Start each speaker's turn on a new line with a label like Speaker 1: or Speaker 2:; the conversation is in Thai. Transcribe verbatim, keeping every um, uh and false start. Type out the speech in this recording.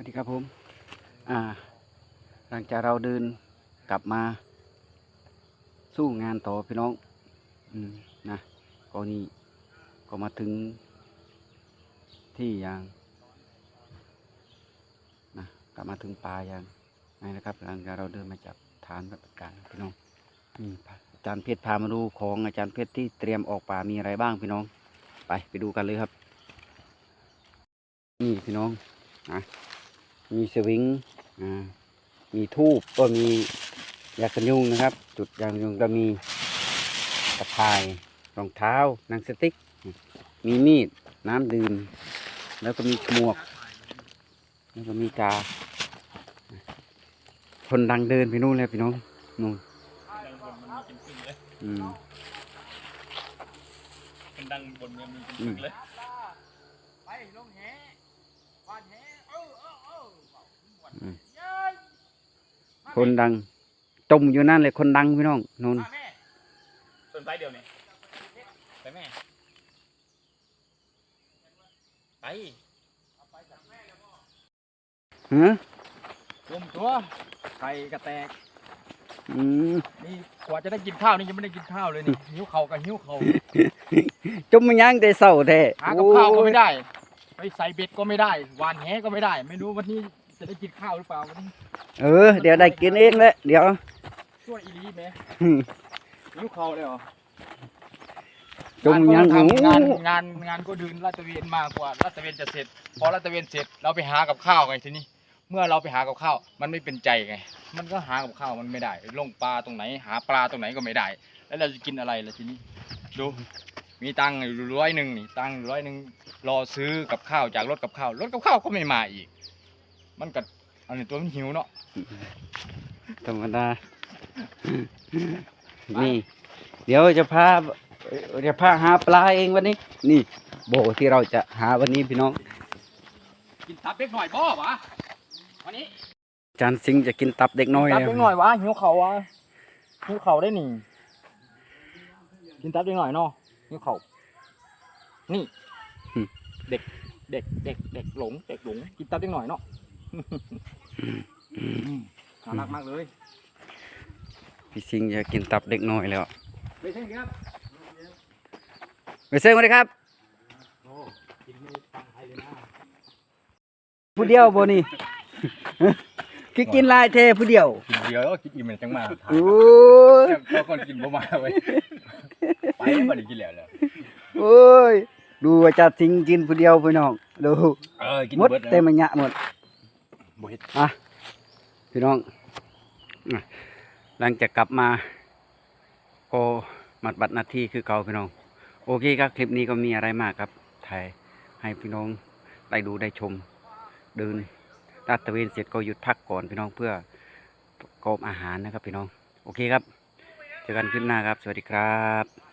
Speaker 1: วัสดีครับผมอ่าหลังจากเราเดินกลับมาสู้งานต่อพี่น้องอืมนะก็นี่ก็มาถึงที่ยางนะกลับมาถึงป่ายางนี่นะครับหลังจากเราเดินมาจากฐานปฏิบัติการพี่น้องนี่อาจารย์เพชรพามาดูของอาจารย์เพชรที่เตรียมออกป่ามีอะไรบ้างพี่น้องไปไปดูกันเลยครับนี่พี่น้องนะมีสวิงอ่ามีทูบก็มียากันยุงนะครับ จุดยากันยุงก็มีตะไคร่รองเท้าหนังสติ๊กมีมีดน้ำดื่มแล้วก็มีหมวกแล้วก็มีกาคนดังเดินไปนู่นเลยพี่น้องนู่นอืม
Speaker 2: คนดังบนเมืองมีเป็นปึกเลยไปลงแหวานแหเออเออเออ
Speaker 1: คนดังจมอยู่นั่นเลยคนดังพี่น้องนู่น
Speaker 2: ต้นไม้เดียวนี่ไปแม่ไป
Speaker 1: ฮะ
Speaker 2: รวมตัวไข่กระแตก
Speaker 1: อืม
Speaker 2: นี่กว่าจะได้กินข้าวนี่ยังไม่ได้กินข้าวเลยนี่หิวเข่ากับหิวเข่า
Speaker 1: จมมันยังแต่เศร้าแท้
Speaker 2: หากับข้าวก็ไม่ได้ไปใส่เบ็ดก็ไม่ได้หวานแหก็ไม่ได้ไม่รู้วันนี้จะได้กินข้าวหรือเปล่าวันนี้
Speaker 1: เออเดี๋ยวได้กินเองเลยเดี๋ยว
Speaker 2: ช่วยอีลีไหมหิวเข่าเลยเหรอ
Speaker 1: จมยัง
Speaker 2: ทำงานงานงานก็เดินลาดตระเวนมากกว่าลาดตระเวนจะเสร็จพอลาดตระเวนเสร็จเราไปหากับข้าวไงทีนี้เมื่อเราไปหากับข้าวมันไม่เป็นใจไงมันก็หากับข้าวมันไม่ได้ลงปลาตรงไหนหาปลาตรงไหนก็ไม่ได้แล้วเราจะกินอะไรล่ะทีนี้ดูมีตังค์อยู่ร้อยหนึ่งนี่ตังค์ร้อยหนึ่งรอซื้อกับข้าวจากรถกับข้าวรถกับข้าวก็ไม่มาอีกมันกัดอันนี้ตัวมันหิวเนาะ
Speaker 1: ธรรมดานี่เดี๋ยวจะพาจะพาหาปลาเองวันนี้นี่โบที่เราจะหาวันนี้พี่น้อง
Speaker 2: กินตับเล็กหน่อยบ่วะวันนี้
Speaker 1: อาจารย์สิงห์จะกินตับเด็กน้อย
Speaker 2: ตับเล็กหน่อยวะหิวเข่าวะหิวเข่าได้หนิกินตับเล็กหน่อยเนาะหิวเข่านี่เด็กเด็กเด็กเด็กหลงเด็กหลงกินตับเล็กหน่อยเนาะน่ารักมากเลย
Speaker 1: พี่สิงห์จะกินตับเด็กน้อยแล้ว
Speaker 2: ไม่ใช่ครับ
Speaker 1: ไปเซ็งมาเลยครับผู้เดียวบ่นี่คือกินลายเทผู้เดียว
Speaker 2: กินเดียวกินอิ่มมันจังมา
Speaker 1: โอ้
Speaker 2: ยพอคนกินบ่มาไว้ไปบ่ได้กินแล้วเลย
Speaker 1: โอ้ยดูอาจารย์สิงห์กินผู้เดียวพี่น้องดูหมดเต็มมันยะหมดอ่ะพี่น้องหลังจากกลับมาก็มัดบัตรหน้าที่คือเก่าพี่น้องโอเคครับคลิปนี้ก็มีอะไรมากครับถ่ายให้พี่น้องได้ดูได้ชมเดินลาดตระเวนเสร็จก็หยุดพักก่อนพี่น้องเพื่อกอบอาหารนะครับพี่น้องโอเคครับเจอกันคลิปหน้าครับสวัสดีครับ